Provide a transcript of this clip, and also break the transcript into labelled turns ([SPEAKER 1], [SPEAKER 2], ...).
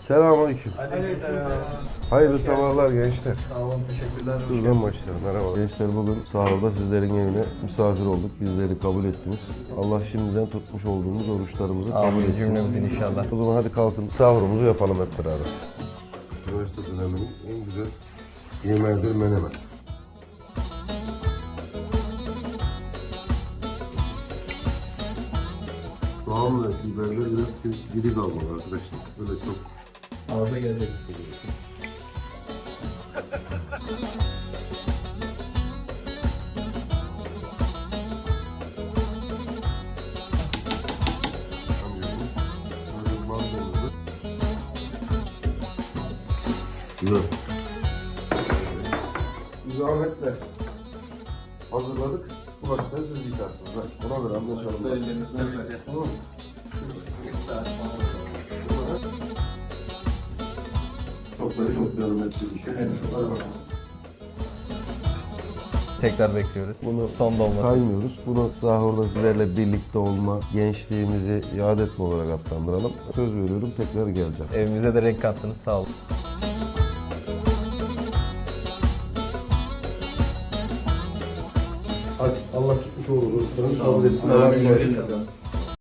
[SPEAKER 1] Selamünaleyküm.
[SPEAKER 2] Aleykümselam.
[SPEAKER 1] Hayırlı sabahlar gençler.
[SPEAKER 2] Sağ olun, teşekkürler.
[SPEAKER 1] Şuradan başlayalım. Merhaba. Gençler bugün sahurda sizlerin evine misafir olduk. Bizleri kabul ettiniz. Allah şimdiden tutmuş olduğumuz oruçlarımızı kabul etsin.
[SPEAKER 3] Cümlemizin inşallah.
[SPEAKER 1] O zaman hadi kalkın sahurumuzu yapalım hep beraber. Üniversite döneminin en güzel yemeğidir menemen. Soğan ve biberler biraz diri kalmalı arkadaşlar. Böyle çok
[SPEAKER 2] Ağza gelecek.
[SPEAKER 1] kamyonumuz. Böyle manzarımızı. Güzel. Biz Ahmet'le hazırladık. Bu başları siz yıkarsınız. Ona göre anlaşalım. Tamam mı? Çok görmesi bir şey. Hadi bakalım.
[SPEAKER 3] Tekrar bekliyoruz.
[SPEAKER 1] Bunu
[SPEAKER 3] son dolması.
[SPEAKER 1] saymıyoruz. Bunu sahurda sizlerle birlikte olma, gençliğimizi yad etme olarak adlandıralım. Söz veriyorum tekrar geleceğim.
[SPEAKER 3] Evimize de renk kattınız, sağ olun.
[SPEAKER 1] Hadi Allah tutmuş olur. Kabul etsin.